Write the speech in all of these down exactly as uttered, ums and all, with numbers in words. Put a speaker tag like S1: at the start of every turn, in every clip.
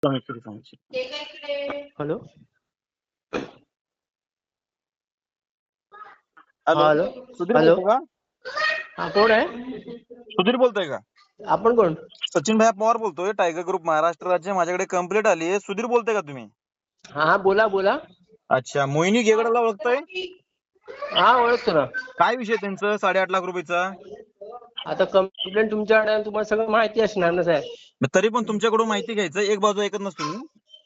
S1: Hello
S2: hello
S1: hello
S2: Sudhir
S1: hello
S2: बोलतो का?
S1: हा कोण आहे?
S2: सुधीर बोलतोय का?
S1: आपण कोण?
S2: सचिन भाई पवार बोलतोय, टायगर ग्रुप महाराष्ट्र राज्य. माझ्याकडे कंप्लेंट आली आहे. सुधीर बोलतोय का तुम्ही?
S1: हा हा बोला बोला.
S2: अच्छा, मोहिनी गेगडला ओळखताय?
S1: हा ओळखतो ना.
S2: काय विषय त्यांचं साडेआठ लाख रुपयाचा?
S1: आता कंप्लेंट तुमच्याकडे आहे, तुम्हाला सगळं माहिती असणार ना साहेब.
S2: तरी पण तुमच्याकडून माहिती घ्यायचं, एक बाजू ऐकत नसतो मी.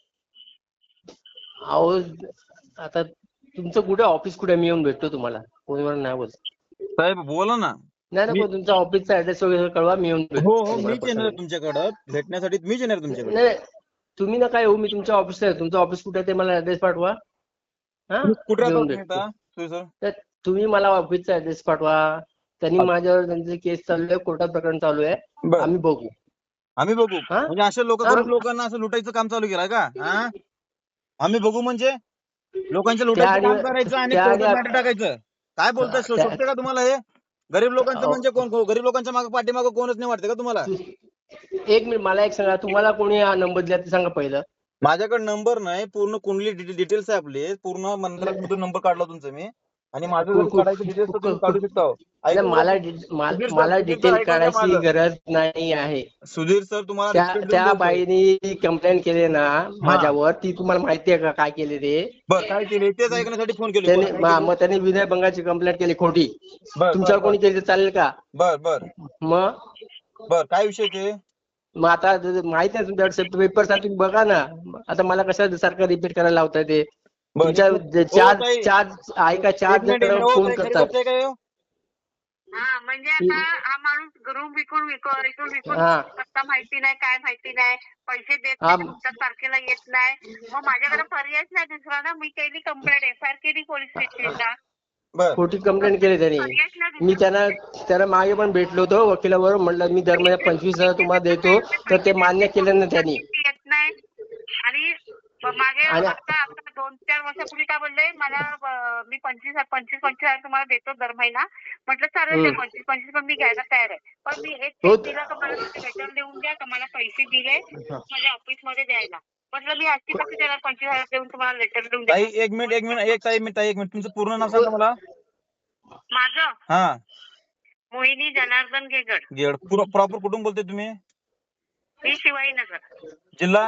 S1: अहो आता तुमचं कुठे ऑफिस कुठे, मी येऊन भेटतो तुम्हाला. फोनवर नाही बोलत
S2: साहेब बोला ना.
S1: नाही ना,
S2: मी
S1: पण तुमचा ऑफिसचा ऍड्रेस वगैरे कळवा, मी येऊन
S2: हो
S1: भेटतो
S2: हो
S1: तुम्हाला
S2: मीच येणार आहे
S1: पर्सनली.
S2: तुमच्याकडं भेटण्यासाठी. मीच येणार आहे तुमच्याकडे.
S1: नाही तुम्ही ना काय हो, मी तुमच्या ऑफिसला आहे. तुमचं ऑफिस कुठे आहे ते मला ऍड्रेस पाठवा. हा
S2: तुम्ही कुठे राहता
S1: येऊन
S2: तुम्ही
S1: भेटतो.
S2: आता? सुधीर सर
S1: तर तुम्ही मला ऑफिसचा ऍड्रेस पाठवा. त्यांनी माझ्यावर त्यांची केस चालू आहे, कोर्टात प्रकरण चालू आहे.
S2: बर
S1: आम्ही बघू.
S2: आम्ही बघू
S1: हा
S2: म्हणजे असे लोक
S1: हा
S2: गरीब लोकांना असं लुटायचं काम चालू केलंय का? हा आम्ही बघू म्हणजे लोकांच्या
S1: त्या
S2: लुटायचं
S1: आणि
S2: काम करायचं आणि
S1: त्या आणि
S2: कोर्टात मॅटर टाकायचं. काय बोलताय? शो-
S1: त्या
S2: शोभते का तुम्हाला हे? गरीब लोकांचं म्हणजे
S1: अहो,
S2: कोण? कोण- गरीब लोकांच्या मागे पाठीमागं कोणच नाही वाटतं का तुम्हाला?
S1: एक मिनिट मला एक सांगा, तुम्हाला कोणी हा नंबर दिला ते सांगा पहिलं.
S2: माझ्याकडे नंबर नाही, पूर्ण कुंडली डिटेल्स आहे आपले. पूर्ण मंत्रालयामधून नंबर काढला तुमचा मी. आणि माझं
S1: कु-
S2: जर
S1: कु-
S2: काढायचं डिटेल्स तर
S1: कु-
S2: तुम्ही
S1: कु-
S2: काढू
S1: कु-
S2: शकता. हो.
S1: नाही,
S2: ऐकून घ्या
S1: मला
S2: सु-
S1: डि- मा-
S2: सुधीर सर
S1: मला
S2: सुधीर सर
S1: डिटेल
S2: ऐकून घ्या
S1: काढायची
S2: माझं.
S1: गरज नाही आहे.
S2: सुधीर सर तुम्हाला
S1: त्या
S2: रिस्पेक्ट देऊन
S1: त्या
S2: बोलतोय.
S1: बाईनी कंप्लेंट केली ना
S2: हा
S1: माझ्यावर, ती तुम्हाला माहिती आहे का काय केले ते?
S2: बर काय केले तेच ऐकण्यासाठी फोन केले.
S1: त्याने
S2: बोला काय
S1: मा-
S2: केले.
S1: मग त्याने विनयभंगाची कंप्लेंट केली खोटी.
S2: बर बर
S1: तुमच्यावर
S2: बर
S1: कोणी केली तर चालेल का?
S2: बर बर
S1: मग
S2: बर काय विषय ते?
S1: मग आता माहित नाही तुमच्याकडे पेपर साठी बघा ना. आता मला कशा सारखं रिपीट करायला लावताय ते?
S2: बर एक
S1: तुमच्या
S2: मिनिट. हो
S1: चार
S2: ताई,
S1: चार ऐका, चार
S2: एक मिनिट एक
S1: जण
S2: मिनिट. हो
S1: फोन
S2: ताई, खरी
S1: करतात.
S2: गोष्ट आहे काय हो?
S3: हा म्हणजे आता हा माणूस रूम विकून विकून विकून विकून
S1: हा
S3: पत्ता माहिती नाही, काय माहिती नाही, पैसे देत
S1: हा
S3: नाही, तुमच्या तारखेला येत नाही. मग माझ्याकडे पर्यायच नाही दुसरा ना. मी केली कंप्लेंट, एफ आय आर केली पोलीस स्टेशनला.
S2: बर
S1: खोटी कंप्लेंट केली त्यांनी.
S3: पर्यायच नाही
S1: मी
S3: दुसरा.
S1: त्यांना त्यांना मागे पण भेटलो होतो वकिलाबरोबर. म्हणलं मी दर महिन्यात पंचवीस हजार तुम्हाला देतो, तर ते मान्य केलं नाही त्यांनी.
S3: येत नाही. आणि मागे
S1: आणि
S3: आता आता दोन चार वर्षापूर्वी काय बोलले मला, अं, मी पंचवीस पंचवीस पंचवीस हजार तुम्हाला देतो दर महिना. म्हटलं चालेल, ते
S1: हम्म.
S3: पंचवीस पंचवीस पण मी घ्यायला तयार आहे. पण मी एक
S1: हो
S3: चेक दिला का मला लेटर देऊन द्या का मला पैसे दिले माझ्या ऑफिस मध्ये द्यायला. म्हटलं मी अशी कशी देणार पंचवीस हजार देऊन तुम्हाला लेटर देऊन द्या.
S2: ताई एक मिनिट एक मिनिट एक ताई मिनिट ताई एक मिनिट. तुमचं पूर्ण नाव सांगा मला.
S3: माझं
S2: हा
S3: मोहिनी जनार्दन गेगड,
S2: गेड. प्रॉपर कुठून बोलतोय तुम्ही?
S3: मी शिवाजीनगर,
S2: जिल्हा?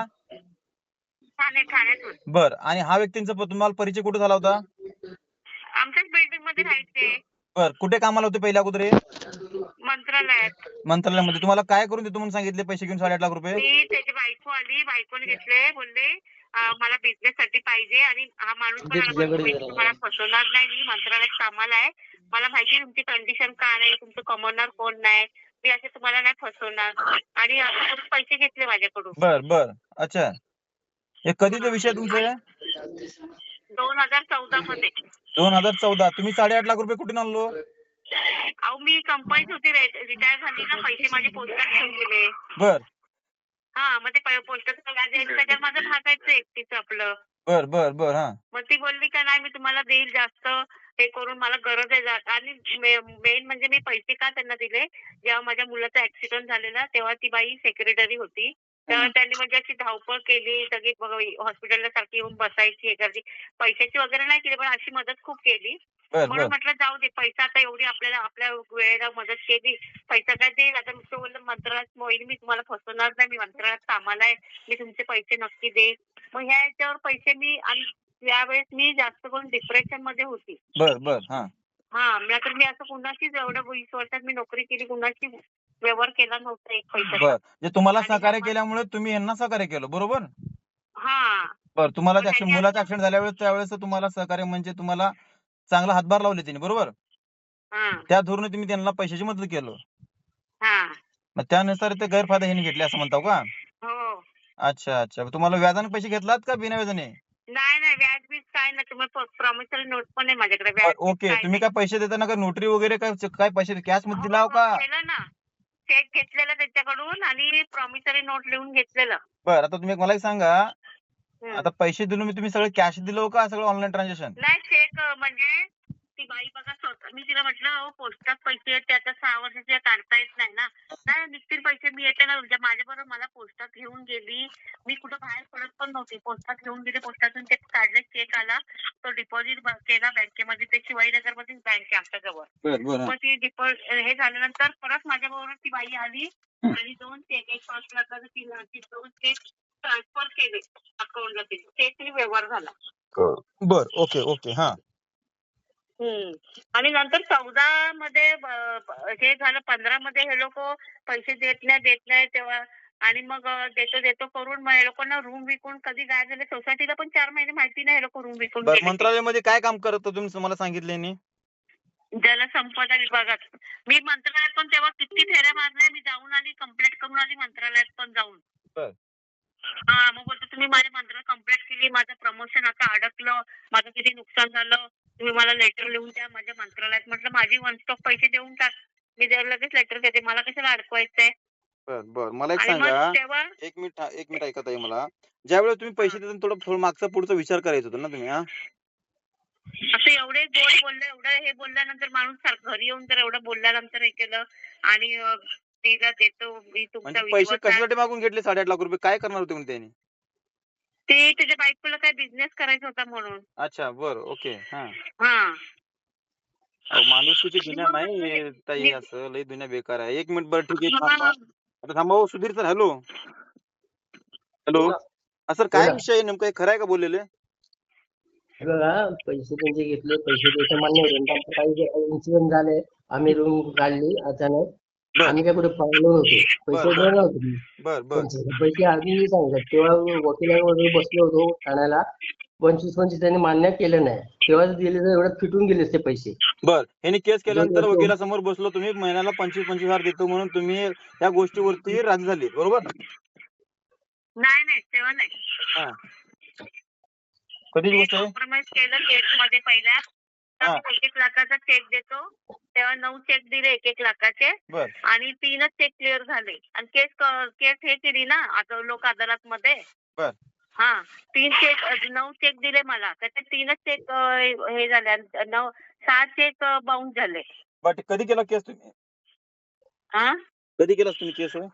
S3: ठाणे ठाण्यातून.
S2: बर. आणि हा व्यक्तींचा प- तुम्हाला परिचय कुठे झाला होता?
S3: आमच्याच बिल्डिंग मध्ये राहायचे,
S2: बर. कुठे कामाला होते पहिल्या अगोदर हे?
S3: मंत्रालयात.
S2: मंत्रालयामध्ये. तुम्हाला काय करून देतो म्हणून सांगितले पैसे घेऊन साडेआठ लाख रुपये?
S3: मी त्याची बायको आली, बायकोने घेतले, बोलले अं, मला बिझनेस साठी पाहिजे. आणि हा माणूस पण आला, बोलतो, "मी तुम्हाला फसवणार नाही, मी मंत्रालयात कामाला आहे, मला माहिती तुमची कंडिशन काय नाही, तुमचं कमवणार कोण नाही, मी असे तुम्हाला नाही फसवणार." आणि असं करून पैसे घेतले माझ्याकडून.
S2: बर बर. अच्छा, हे कधीचा विषय तुमचा आहे?
S3: दोन हजार चौदा मध्ये.
S2: दोन हजार चौदा. तुम्ही साडेआठ लाख रुपये कुठून आणलो?
S3: अहो मी कंपनीत होती, रिटायर झाली ना, पैसे माझे पोस्टात ठेवून गेले.
S2: बर
S3: हा मग ते पोस्टाचं व्याज यायचं, त्याच्यात माझं भागायचं एकटीचं आपलं.
S2: बर बर बर. हा
S3: मग ती बोलली का नाही मी तुम्हाला देईल जास्त हे करून, मला गरज आहे जा-" आणि मेन म्हणजे मी पैसे का त्यांना दिले, जेव्हा माझ्या मुलाचा ऍक्सिडेंट झालेला तेव्हा ती बाई सेक्रेटरी होती. तेव्हा त्यांनी म्हणजे अशी धावपळ केली, सगळी हॉस्पिटलला सारखी येऊन बसायची, हे करायची. पैशाची वगैरे नाही केली, पण अशी मदत खूप केली.
S2: बर
S3: म्हणून
S2: बर
S3: म्हटलं जाऊ दे, पैसा आता एवढी आपल्याला आपल्या वेळेला मदत केली, पैसा काय देईल. आता नुसतं बोललं मंत्रालयात मोहील, मी तुम्हाला फसवणार नाही, मी मंत्रालयात कामाला आहे, मी तुमचे पैसे नक्की देईल. मग ह्या याच्यावर पैसे मी, आणि यावेळेस मी जास्त करून डिप्रेशन मध्ये होती.
S2: बर बर. हा
S3: हा तर मी असं कुणाशीच एवढ्या वीस वर्षात मी नोकरी केली, कुणाशी व्यवहार केला नव्हता एक पैशाचा.
S2: बर. जे तुम्हाला
S3: आणि
S2: सहकार्य
S3: आम्हा-
S2: केल्यामुळे तुम्ही यांना सहकार्य केलं, बरोबर?
S3: हा
S2: बर. तुम्हाला
S3: मग
S2: त्या
S3: त्यांनी
S2: मुलाचा
S3: असं-
S2: ऍक्सिडेंट झाल्यावेळेस त्यावेळेस तुम्हाला सहकार्य म्हणजे तुम्हाला चांगला हातभार लावले त्यांनी, बरोबर?
S3: हा
S2: त्या धोरणे तुम्ही त्यांना पैशाची मदत केलं.
S3: हा
S2: मग त्यानुसार ते गैरफायदा ह्यांनी घेतले असं म्हणताव का?
S3: हो.
S2: अच्छा अच्छा. तुम्हाला व्याजाने पैसे घेतलात का बिना व्याजाने?
S3: नाही नाही, व्याज बीज काय नाही. तुम्ही प्रॉमिसरी नोट पण आहे माझ्याकडे.
S2: बर,
S3: व्याज बीज
S2: ओके.
S3: काय
S2: तुम्ही
S3: नाही.
S2: काय पैसे देताना का नोटरी वगैरे काय काय पैसे कॅश मध्ये
S3: हो,
S2: दिलाव
S3: हो,
S2: का?
S3: केलं ना. चेक घेतलेला त्याच्याकडून आणि प्रॉमिसरी नोट लिहून घेतलेलं.
S2: बर. आता तुम्ही मला एक सांगा,
S3: हम्म.
S2: आता पैसे दिलो मी, तुम्ही सगळं कॅश दिलो का सगळं ऑनलाईन ट्रान्झॅक्शन?
S3: नाही, चेक म्हणजे ती बाई बघा स्वतः मी तिला म्हटलं अहो पोस्टात पैसे आहेत ते आता सहा वर्षाचे काढता येत नाही ना. नाही निघतील पैसे मी येते ना तुमच्या माझ्याबरोबर मला पोस्टात घेऊन गेली. मी कुठं बाहेर पडत पण नव्हती. पोस्टात घेऊन गेली पोस्टातून ते काढले चेक आला. तो डिपॉझिट केला बँकेमध्ये ते शिवाजीनगरमध्येच बँक आहे आमच्या जवळ.
S2: बर बर
S3: मग ती डिपॉझिट हे झाल्यानंतर परत माझ्याबरोबर ती बाई आली आणि दोन चेक एक पाच लाखाचा तीन लाखाचे दोन चेक ट्रान्सफर केले अकाउंटला ते चेकनी व्यवहार झाला.
S2: बर ओके ओके हा
S3: हम्म. आणि नंतर चौदा मध्ये ब- ब- हे झालं पंधरा मध्ये हे लोक पैसे देत नाही देत नाही तेव्हा आणि मग अं, देतो देतो करून मग हे लोकांना रूम विकून कधी काय झाले सोसायटीला पण चार महिने माहिती नाही हे लोक रूम विकून
S2: बर
S3: गेले ते.
S2: मंत्रालयामध्ये काय काम करत होता तुम्ही मला सांगितले नाही
S3: जलसंपदा विभागात मी मंत्रालयात पण तेव्हा किती फेऱ्या मारल्या मी जाऊन आली कंप्लेंट करून आली मंत्रालयात पण जाऊन.
S2: बर.
S3: हा मग बोलतो तुम्ही माझ्या मंत्रालयात कंप्लेंट केली माझं प्रमोशन आता अडकलं माझं किती नुकसान झालं तुम्ही मला लेटर लिहून द्या माझ्या मंत्रालयात म्हटलं माझी वन स्टॉप पैसे देऊन टाक मी जर लगेच लेटर देते मला कशाला अडकवायचंय.
S2: बर बर मला एक
S3: आणि मग
S2: सांगा
S3: तेव्हा
S2: एक मिनिट हा, एक मिनिट ऐकत आहे मला ज्यावेळेस तुम्ही पैसे देताना थोडं थोडं मागचा पुढचा विचार करायचा होता ना तुम्ही हा
S3: असं एवढे गोड बोललं एवढं हे बोलल्यानंतर माणूस सारखं घरी येऊन तर एवढं बोलल्यानंतर हे केलं आणि अं, तिला देतो मी तुमचा
S2: म्हणजे पैसे
S3: विश्वास आहे.
S2: कशासाठी मागून घेतले साडेआठ लाख रुपये काय करणार होते म्हणून त्यांनी
S3: ते त्याच्या बायकोला काय बिझनेस करायचा होता म्हणून.
S2: अच्छा बर ओके हा
S3: हा
S2: अहो, माणुसकीची
S3: आणि
S2: दुनिया
S3: मग
S2: नाही
S3: ते-
S2: हे ताई
S3: मी-
S2: असं लई दुनिया बेकार आहे एक मिनिट बरं ठीक आहे
S3: हा.
S2: थांबा आता थांबा हो, सुधीर सर हॅलो हॅलो
S1: बोला.
S2: हा सर काय
S1: बोला.
S2: विषय आहे नेमकं हे खरं आहे का बोललेले
S1: हे बघा पैसे त्यांचे घेतले पैसे द्यायचं मान्य होतं नंतर काही इन्सिडेंट झाले आम्ही रूम काढली अचानक
S2: बर.
S1: आम्ही काय कुठे पळलो नव्हतो पैसे
S2: बर, बर.
S1: देणार नव्हतो मी.
S2: बर बर
S1: त्यांचे पैसे आधी मी सांगितलं तेव्हा वकिलांवर बसलो होतो ठाण्याला पंचवीस पंचवीस त्यांनी मान्य केलं नाही तेव्हाच दिले तर एवढ्यात फिटून गेले ते पैसे.
S2: बर ह्यांनी केस केल्यानंतर
S1: दोन वर्ष-
S2: वकिलासमोर बसलो तुम्ही महिन्याला पंचवीस पंचवीस हजार देतो म्हणून तुम्ही या गोष्टीवरती राजी झाली बरोबर
S3: नाही नाही तेव्हा नाही
S2: हा कधीची गोष्ट आहे
S3: कॉम्प्रोमाइज केलं केस मध्ये पहिल्या
S2: हा.
S3: तर एक एक लाखाचा चेक देतो तेव्हा नऊ चेक दिले एक एक लाखाचे
S2: बर
S3: आणि तीनच चेक क्लिअर झाले आणि केस केस हे केली ना आता लोक अदालत मध्ये.
S2: बर.
S3: हा तीन चेक नऊ चेक दिले मला त्याचे तीनच चेक हे झाले आणि नऊ सहा चेक बाउन्स झाले.
S2: बट कधी केला केस तुम्ही
S3: हा
S2: कधी केला तुम्ही केस हो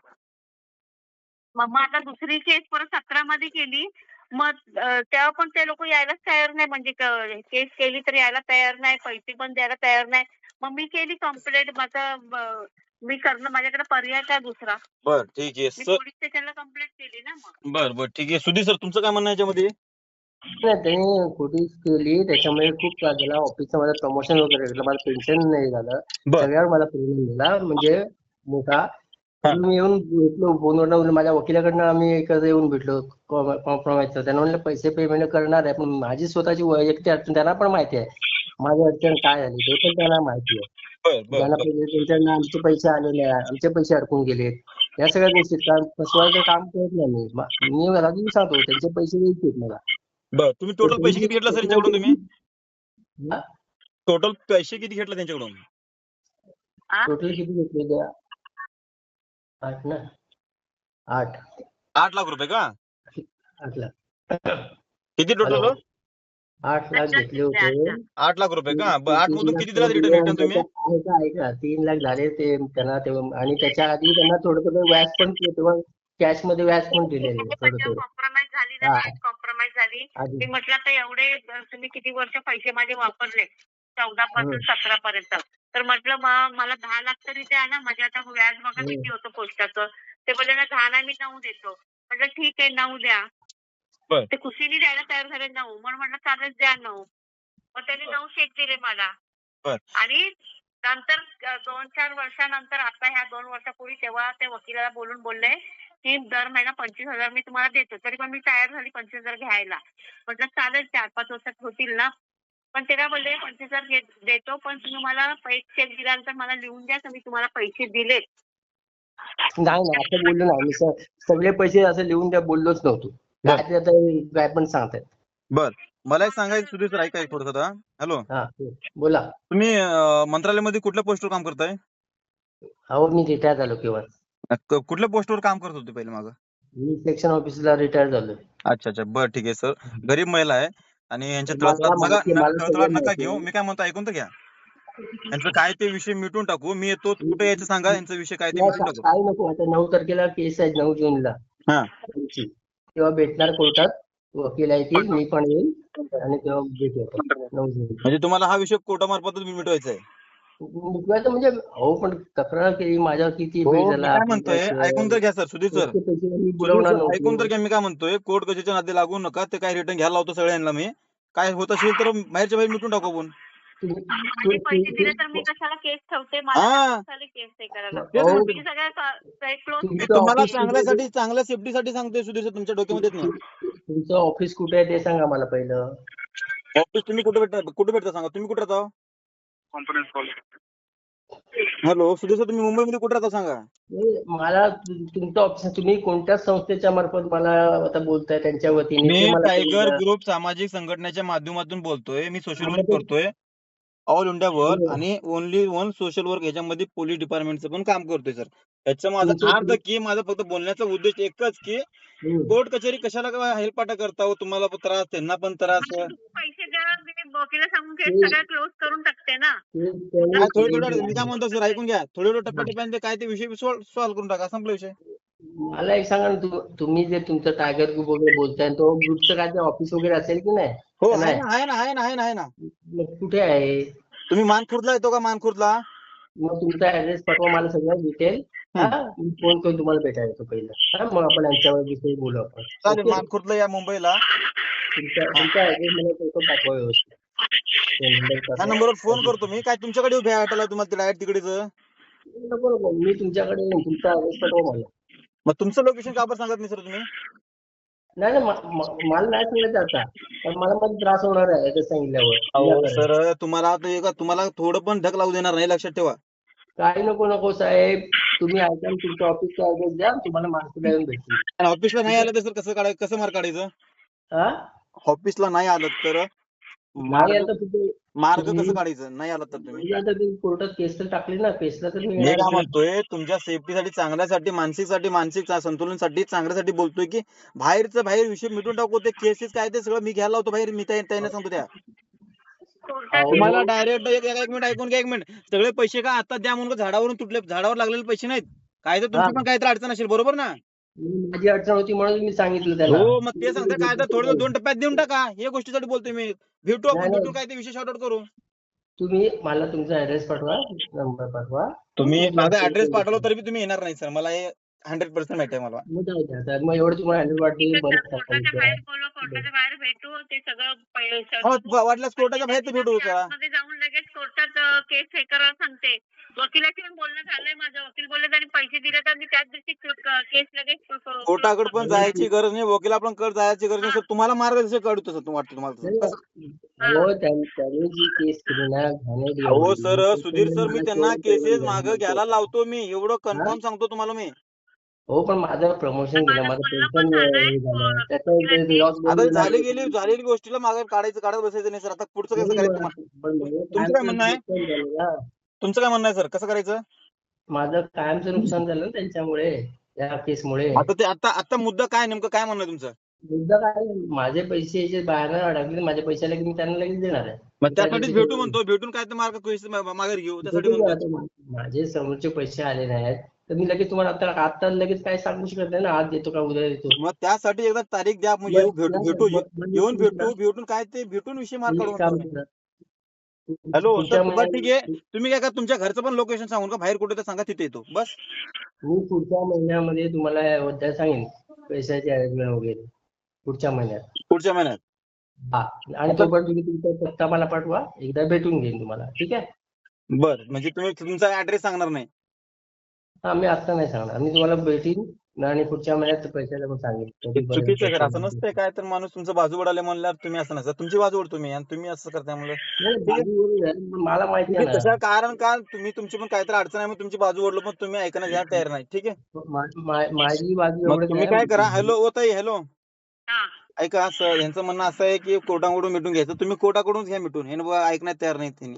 S3: मग मग आता दुसरी केस परत सतरा मध्ये केली मग अं, तेव्हा पण ते लोक यायलाच तयार नाही म्हणजे केस केली तर यायला तयार नाही पैसे पण द्यायला तयार नाही मग मी केली कंप्लेंट माझं अं, मी करणं माझ्याकडे पर्याय काय दुसरा
S2: बर ठीक आहे
S3: मी
S2: सर
S3: पोलीस स्टेशनला कंप्लेंट केली ना मग.
S2: बर बर ठीक आहे सुधीर सर तुमचं काय म्हणणं आहे याच्यामध्ये
S1: नाही त्यांनी खोटी केली त्याच्यामुळे खूप त्रास झाला ऑफिसचं माझं प्रमोशन वगैरे घेतलं मला पेन्शन नाही झालं
S2: बर
S1: सगळ्यावर मला प्रॉब्लेम झाला म्हणजे मोठा
S2: हा.
S1: मी येऊन भेटलो फोनवर माझ्या वकिलाकडनं आम्ही एकत्र येऊन भेटलो कॉम्प्रोमाइजचं त्यांना म्हणलं पैसे पेमेंट करणार आहे पण माझी स्वतःची वैयक्तिक अडचण त्यांना पण माहिती आहे माझी अडचण काय झाली ते पण त्यांना माहिती आहे.
S2: बर बर
S1: त्यांना
S2: बर
S1: पहिले त्यांच्याकडनं आमचे पैसे आलेले आहे आमचे पैसे अडकून गेलेत या सगळ्या गोष्टीत काम फसवायचं काम करत नाही मी मा- मी राजू सांगतो त्यांचे पैसे द्यायचे मला.
S2: बर तुम्ही टोटल पैसे किती घेतला सर यांच्याकडून तुम्ही
S1: हा?
S2: टोटल पैसे किती घेतला त्यांच्याकडून
S3: हा?
S1: टोटल किती घेतले द्या आठ ना आठ
S2: आठ लाख रुपये का
S1: आठ लाख
S2: किती टोटल
S1: हॅलो. आठ लाख घेतले होते
S2: आठ लाख रुपये का ब- आठ मधून किती दिला रिटर्न रिटर्न तुम्ही
S1: ऐका ऐका तीन लाख झाले ते त्यांना ते आणि त्याच्या आधी त्यांना थोडं थोडं व्याज पण तेव्हा कॅश मध्ये व्याज पण दिलेले थोडं थोडं
S3: कॉम्प्रोमाइज झाली
S1: हा.
S3: ना कॉम्प्रोमाइज झाली
S1: आधी
S3: मी म्हटलं आता एवढे अं, तुम्ही किती वर्ष पैसे माझे वापरले चौदा पासून सतरा पर्यंत तर म्हटलं मग मला दहा लाख तरी द्या ना म्हणजे आता व्याज बघा
S1: हम्म.
S3: किती होतं पोस्टाचं ते बोलले ना दहा नाही मी नऊ देतो म्हटलं ठीक आहे नऊ द्या
S2: बर.
S3: ते खुशीने द्यायला तयार झाले नऊ म्हणून म्हटलं चालेल द्या नऊ मग त्यांनी नऊ चेक दिले मला
S2: बर.
S3: आणि नंतर अं, दोन चार वर्षानंतर आता ह्या दोन वर्षापूर्वी तेव्हा ते वकिलाला बोलून बोलले की दर महिना पंचवीस हजार मी तुम्हाला देतो तरी पण मी तयार झाली पंचवीस हजार घ्यायला म्हटलं चालेल चार पाच वर्षात होतील ना पण ते काय बोलले पंचवीस हजार घे- देतो पण तुम्ही मला एक चेक दिल्यानंतर मला लिहून द्या तर मी तुम्हाला पैसे दिले.
S1: नाही नाही असं बोललो नाही मी स- सगळे पैसे असं लिहून द्या बोललोच नव्हतो
S2: बर.
S1: काय ते आता काय पण सांगतायत.
S2: बर मला एक सांगायचं सुधीर सर ऐका एक थोडस हॅलो
S1: हा बोला.
S2: तुम्ही अं, मंत्रालयामध्ये कुठल्या पोस्टवर काम करताय
S1: अहो मी रिटायर झालो केव्हा
S2: क- कुठल्या पोस्टवर काम करत होते पहिले मागं
S1: मी सेक्शन ऑफिसला रिटायर झालोय.
S2: अच्छा अच्छा बर ठीक आहे सर गरीब महिला आहे आणि यांच्या
S1: मला
S2: तळतळात नका
S1: माहिती आहे, मला
S2: तळतळात
S1: सगळं
S2: नका
S1: माहिती
S2: घेऊ
S1: आहे.
S2: मी काय म्हणतो ऐकून तर घ्या यांचं काय ते विषय मिटून टाकू. मी येतो, कुठे यायचं सांगा, यांचा विषय काय ते
S1: नाही,
S2: मिटून टाकू.
S1: काही नको. आता नऊ तारखेला केस आहे, नऊ जूनला
S2: हा
S1: त्यांची. तेव्हा भेटणार कोर्टात, वकील येतील, मी पण येईल आणि तेव्हा भेटू आपण नऊ जूनला.
S2: म्हणजे तुम्हाला हा विषय कोर्टामार्फतच मिटवायचा आहे.
S1: मिटवायचं म्हणजे हो, पण तक्रार केली माझ्यावर किती बिल
S2: हो, मी
S1: झाला
S2: काय
S1: आपण
S2: म्हणतोय, ऐकून तर घ्या सर, सुधीर सर.
S1: इतके पैसे मी
S2: सुधीर
S1: बुडवणार
S2: सर, ऐकून तर
S1: नव्हतो.
S2: घ्या. मी काय म्हणतोय, कोर्ट कचेरीच्या नादी लागू नका. ते काय रिटर्न घ्यायला लावतो सगळ्यांना मी. काय होत असेल तर बाहेरच्या बाहेर मिटून टाकू आपण.
S1: तुम्ही
S3: माझे पैसे दिले तर मी कशाला केस ठेवते. मला
S2: हा.
S3: काय झाले केस हे करायला.
S2: तेच
S1: अहो,
S3: तुम्ही सगळ्या क्लोज
S2: मी
S1: तुमचं
S2: तुम्हाला
S1: ऑफिस कुठे आहे?
S2: चांगल्यासाठी, चांगल्या सेफ्टीसाठी सांगतोय सुधीर सर, तुमच्या डोक्यामध्ये येत नाही.
S1: तुमचं ऑफिस कुठे आहे ते सांगा मला पहिलं.
S2: ऑफिस तुम्ही कुठे भेटता, कुठे भेटता सांगा. तुम्ही कुठे राहता?
S4: Conference call.
S2: Hello Sudhir sir, तुम्ही मुंबईमध्ये कुठे राहता सांगा.
S1: नाही, मला तु- तुमचं ऑफिस तुम्ही कोणत्या संस्थेच्या मार्फत मला आता बोलताय त्यांच्या वतीने
S2: मी
S1: ते मला
S2: टायगर
S1: कळलं.
S2: ग्रुप सामाजिक संघटनेच्या माध्यमातून बोलतोय. मी सोशल
S1: हा,
S2: वर्क
S1: मग
S2: करतोय ऑल इंडिया वर,
S1: ते-
S2: आणि ओनली वन सोशल वर्क ह्याच्यामध्ये पोलीस डिपार्टमेंटचं पण काम करतोय सर. याचा माझा
S1: तुमचं-
S2: अर्थ की माझा फक्त बोलण्याचा उद्देश एकच की
S1: हम्म.
S2: कोर्ट कचेरी कशाला काय हेलपाटा करता हो, तुम्हाला पण त्रास, त्यांना पण त्रास.
S3: मला तुम्ही पैसे द्या, मी वकिला सांगून केस
S1: ते-
S3: सगळ्या क्लोज करून टाकते ना.
S1: ते
S2: काय
S1: त्यांनी
S2: थोडं
S1: केलेलं
S2: थोडं मी काय
S1: आहे.
S2: म्हणतो सर, ऐकून घ्या. थोडं थोडं टप्प्याटप्प्याने काय ते विषय सॉल्व्ह करून टाका, संपला विषय.
S1: मला एक सांगा ना, तु- तुम्ही जे तुमचं टायगर ग्रुप वगैरे बोलताय तो ग्रुपचं काय ते ऑफिस वगैरे असेल की नाही?
S2: हो,
S1: का
S2: आहे
S1: नाही?
S2: ना, आहे ना, आहे ना, आहे ना, आहे ना.
S1: मग कुठे आहे?
S2: तुम्ही मानखुर्दला येतो का, मानखुर्दला?
S1: मग तुमचा ऍड्रेस पाठवा मला सगळं डिटेल. हा, मी फोन करून तुम्हाला भेटायला येतो पहिलं. हा, मग आपण यांच्यावर विषयी बोलू आपण.
S2: चालेल,
S1: ओके?
S2: मानखुर्दला या मुंबईला.
S1: तुमचा तुमचा ऍड्रेस मला फोटो पाठवा व्यवस्थित. ते नंबर
S2: ह्या
S1: पाठवा.
S2: नंबरवर फोन करतो मी. काय तुमच्याकडे भेटायला तुम्हाला डायरेक्ट तिकडेच?
S1: नको नको, मी तुमच्याकडे येईन. तुमचा ऍड्रेस पाठवा मला.
S2: मग तुमचं लोकेशन का बरं सांगत नाही सर तुम्ही?
S1: नाही नाही, म- म- मला नाही सांगायचं आता, पण मला मध्ये त्रास होणार आहे ते सांगितल्यावर.
S2: अहो
S1: विनाकारण.
S2: सर, तुम्हाला आता हे का, तुम्हाला थोडं पण धक लागू देणार नाही, लक्षात ठेवा.
S1: काही नको नको साहेब, तुम्ही ऐका आणि तुमच्या ऑफिसचा ऍड्रेस द्या, तुम्हाला मार्केटला येऊन भेटतील.
S2: आणि ऑफिसला नाही आलं तर सर कसं काढायचं, कसं मार्क काढायचं?
S1: हा,
S2: ऑफिसला नाही आलं तर
S1: नाही
S2: मार्ग,
S1: आता कुठे
S2: मार्ग
S1: तुम्ही-
S2: कसं काढायचं नाही आलं तर तुम्ही?
S1: म्हणजे आता तुम्ही कोर्टात केस तर टाकली ना, केसला तर मी
S2: मी
S1: येणार
S2: काय
S1: आहे.
S2: म्हणतोय, तुमच्या सेफ्टीसाठी, चांगल्यासाठी, मानसिकसाठी, मानसिक संतुलनासाठी, चांगल्यासाठी बोलतोय की बाहेरचं बाहेर विषय मिटून टाकू. ते केसेस काय ते सगळं मी घ्यायला लावतो बाहेर. मी त्या- त्यांना सांगतो त्या.
S3: कोर्टात
S2: तुम्हाला डायरेक्ट एक एक मिनिट ऐकून घ्या, एक मिनिट. सगळे पैसे का आता द्या म्हणून झाडावरून तुटले, झाडावर लागलेले पैसे नाहीत. काय तर तुमची
S1: हा.
S2: पण काहीतरी अडचण असेल, बरोबर ना?
S1: माझी अडचण होती म्हणून मी सांगितलं त्याला.
S2: हो, मग ते सांगता काय तर थोडं दोन टप्प्यात देऊन टाका. या गोष्टीसाठी बोलतोय मी. भेटू आपण,
S1: नाही,
S2: भेटून
S1: नाही.
S2: काय ते विषय शॉर्ट आउट करू.
S1: तुम्ही मला तुमचा ऍड्रेस पाठवा, नंबर पाठवा.
S2: तुम्ही
S1: मी
S2: माझा
S1: तुम्हाला
S2: ऍड्रेस
S1: फोन
S2: पाठवला
S1: करतो.
S2: तरी बी तुम्ही येणार नाही सर. मला हे हंड्रेड पर्सेंट माहिती आहे मला.
S1: मग जाऊ द्या आता. मग एवढं तुम्हाला हँडल वाटते बंद करा
S3: कोर्टाच्या
S1: विषय.
S3: बाहेर बोलवा, कोर्टाच्या बाहेर भेटू. ते सगळं पैसे-
S2: हो, वाटल्यास कोर्टाच्या बाहेर तर भेटू जरा.
S3: मध्ये जाऊन लगेच कोर्टात केस हे करायला सांगते. वकिलाशी पण बोलणं झालंय माझं. वकील बोलले त्यांनी पैसे दिले तर मी त्याच दिवशी केस लगेच close
S2: कोर्टाकडे पण
S3: करतो.
S2: जायची गरज नाही, वकिला पण कड जायची गरज नाही सर. तुम्हाला मार्गदर्शन काढू तसं तुम्हाला वाटतं तुम्हाला
S1: नाही,
S2: तसं. कसं?
S1: हो, त्यां- त्यांनी जी केस केली ना घाणेरडी
S2: अहो
S1: एवढी,
S2: सर,
S1: त्याच्यामुळे
S2: सुधीर सर, मी
S1: मला
S2: त्यांना
S1: तेवढं
S2: केसेस
S1: पेमेंट
S2: मागं
S1: द्यायला
S2: घ्यायला
S1: लागतं.
S2: लावतो मी. एवढं
S1: हा?
S2: कन्फर्म सांगतो तुम्हाला मी.
S1: हो, पण माझं प्रमोशन गेलं,
S3: माझं
S1: माझं
S3: बोलणं
S1: पेन्शन
S3: पण झालंय.
S1: हे झालं,
S3: को-
S1: त्याचा
S3: वकिलांनी.
S1: लॉस
S2: आता झाली गेली झालेली गोष्टीला मागे काढायचं, काढत बसायचं नाही सर. आता पुढचं कसं करायचं तुम्हाला? तुमचं काय म्हणणं आहे?
S1: नुकसान झालं ना,
S2: तुमचं काय म्हणणं आहे सर, कसं करायचं?
S1: माझं कायमचं नुकसान झालं ना त्यांच्यामुळे, या केसमुळे.
S2: आता ते आता आता मुद्दा काय, नेमकं काय म्हणणं आहे तुमचं?
S1: मुद्दा काय, माझे पैसे याचे बाहेर अडकले, माझे पैसे लगेच मी त्यांना लगेच देणार आहे.
S2: मग
S1: त्या
S2: त्यासाठीच
S1: दिवशी
S2: भेटू म्हणतो. भेटून काय तर मार्ग पैसे मा- माघारी घेऊ, त्यासाठी
S1: भेटून
S2: म्हणतोय.
S1: द्या आता. मा- माझे समोरचे पैसे आले नाहीत तर मी लगेच तुम्हाला आता आता लगेच काय सांगू शकत नाही ना, आज देतो का उद्या देतो.
S2: मग त्यासाठी एकदा तारीख द्या, मग
S1: मग-
S2: येऊ, भेटू
S1: नाही,
S2: भेटू
S1: मग- मग
S2: येऊन
S1: तुम्ही
S2: भेटू, भेटून काय ते भेटून विषय मार्ग
S1: एक
S2: काढू
S1: काम
S2: म्हणतो मी.
S1: करा.
S2: हॅलो
S1: पुढच्या
S2: सर, बरं ठीक आहे.
S1: महिन्यात
S2: तुम्ही काय का तुमच्या घरचं पण लोकेशन सांगून का, बाहेर कुठे तर सांगा, तिथे येतो बस.
S1: मी पुढच्या महिन्यामध्ये तुम्हाला उद्या सांगेन पैशाची अरेंजमेंट वगैरे पुढच्या महिन्यात.
S2: पुढच्या महिन्यात.
S1: हा, आणि तोपर्यंत तुम्ही तुमचा पत्ता मला पाठवा, एकदा भेटून घेईन तुम्हाला, ठीक आहे?
S2: बर, म्हणजे तुम्ही तुमचा ऍड्रेस सांगणार नाही?
S1: हा, मी आता नाही सांगणार, मी तुम्हाला भेटीन आणि पुढच्या महिन्यात पैशाला पण सांगेन
S2: हे
S1: कधीपर्यंत
S2: चुकीचं आहे सर, असं
S1: पैसे-
S2: नसतंय. काय तर माणूस तुमचं बाजू वडाले म्हणल्यावर तुम्ही असं नसतं. तुमची बाजू ओढतो मी आणि तुम्ही असं करताय म्हणलं.
S1: नाही, बाजूवरून आहे, पण मला माहिती आहे
S2: तुम्ही
S1: ना.
S2: तशा कारण का तुम्ही तुमची पण काहीतरी अडचण आहे, मग तुमची बाजू ओढलो, पण तुम्ही ऐकण्यास घ्यायला तयार नाही. ठीक आहे,
S1: मा- मा- माझी बाजू
S2: मग
S1: एवढंच
S2: तुम्ही
S1: आहे.
S2: काय करा. हॅलो ओ ताई, हॅलो,
S3: हा.
S2: ऐका सर, यांचं म्हणणं असं आहे की कोर्टाकडून मिटून घ्यायचं. तुम्ही कोर्टाकडूनच घ्या मिटून, हे ना ऐकण्यात तयार नाही त्यांनी.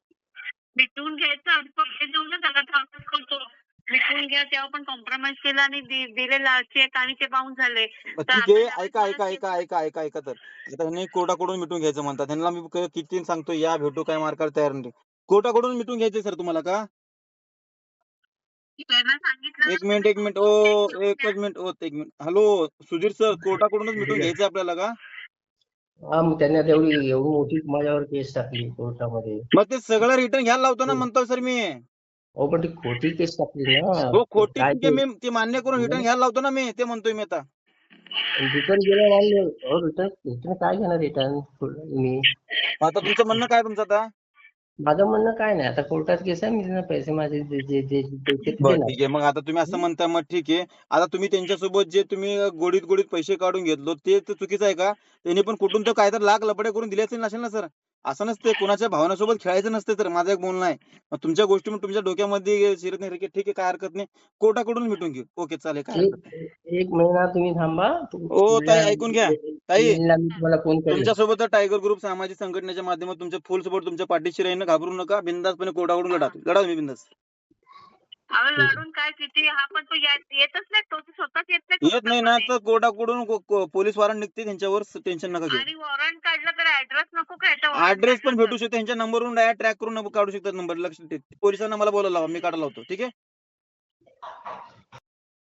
S3: भेटून घ्यायचं, पैसे देऊ ना त्याला, ट्रान्सफर करतो. भेटून घ्या, तेव्हा पण कॉम्प्रोमाइज केला आणि दि- दिलेला चेक आणि ते बाउन्स झाले.
S2: मग
S3: तर
S2: ठीक आहे,
S3: आता
S2: ऐका ऐका
S3: मला
S2: ऐका ऐका ऐका ऐका तर आता ह्यांनी कोर्टाकडून मिटून घ्यायचं म्हणतात. त्यांना मी क- किती सांगतो या भेटू, काय मार्काला तयार नाही. कोर्टाकडून मिटून घ्यायचंय सर तुम्हाला का?
S3: त्यांना सांगितलं
S2: एक
S3: ना
S2: मिनिट एक मिनिट
S3: तुम्ही
S2: ओ
S3: घेऊन
S2: एकच
S3: द्या.
S2: मिनिट ओ एक मिनिट. हॅलो सुधीर सर, कोर्टाकडूनच मिटून घ्यायचंय आपल्याला का?
S1: हा मग त्यांनी आता एवढी एवढी मोठी माझ्यावर केस टाकली कोर्टामध्ये.
S2: मग ते सगळं रिटर्न घ्यायला लावतो ना म्हणतो सर मी.
S1: हो पण ती खोटी केस टाकली ना.
S2: हो
S1: तर
S2: खोटी
S1: काय
S2: ठीक आहे,
S1: ते
S2: मी ती मान्य करून रिटर्न घ्यायला लावतो ना मी, ते म्हणतोय मी आता.
S1: रिटर्न गेलं मान्य. अहो रिटर्न रिटर्न काय घेणार रिटर्न मी?
S2: आता तुमचं म्हणणं काय तुमचं आता?
S1: माझं म्हणणं काय नाही, आता कोर्टात केस आहे, मी त्यांना पैसे माझे जे जे जे द्यायचे ते
S2: बरं
S1: देणार.
S2: ठीक आहे. मग आता तुम्ही असं म्हणता, मग ठीक आहे. आता तुम्ही त्यांच्यासोबत जे तुम्ही गोडीत गोडीत पैसे काढून घेतलो ते तर चुकीचं आहे का? त्यांनी पण कुठून तर काहीतरी लाख लफडे करून दिले असेल नसेल ना सर? असं नसते, कुणाच्या भावनासोबत खेळायचं नसते सर, माझं एक बोलणं आहे. मग तुमच्या गोष्टी मग तुमच्या डोक्यामध्ये शिरत नाही, ठीक आहे काय हरकत नाही. कोर्टाकडून मिटून घेऊ. ओके चालेल, काय हरकत नाही.
S1: एक एक महिना तुम्ही थांबा. तु-
S2: ओ ताई
S1: पुढल्या
S2: ऐकून घ्या. ताई
S1: महिन्याला मी तुम्हाला फोन करेन.
S2: तुमच्यासोबत टायगर ग्रुप सामाजिक संघटनेच्या माध्यमातून तुमच्या फुल सपोर्ट तुमच्या पाठीशी राहील, घाबरू नका. बिनधास्तपणे कोर्टाकडून लढा. लढा तुम्ही बिनधास्त.
S3: अहो लढून काय किती हा पण तो या- येतच नाही, तो स्वतःच येत नाही
S2: येत नाही ना
S3: कोर्टामध्ये.
S2: तर कोर्टाकडून को- को- पोलीस वॉरंट निघते त्यांच्यावर, टेन्शन नका घेऊ.
S3: आणि वॉरंट काढलं तर ऍड्रेस नको काय त्या warrant
S2: ऍड्रेस पण
S3: काढलं
S2: भेटू
S3: तर?
S2: शकतो त्यांच्या नंबरवरून, डायरेक्ट ट्रॅक करून काढू शकतात नंबर. लक्ष ठेव. पोलिसांना मला बोलायला लावा, मी काढायला लावतो. ठीक आहे.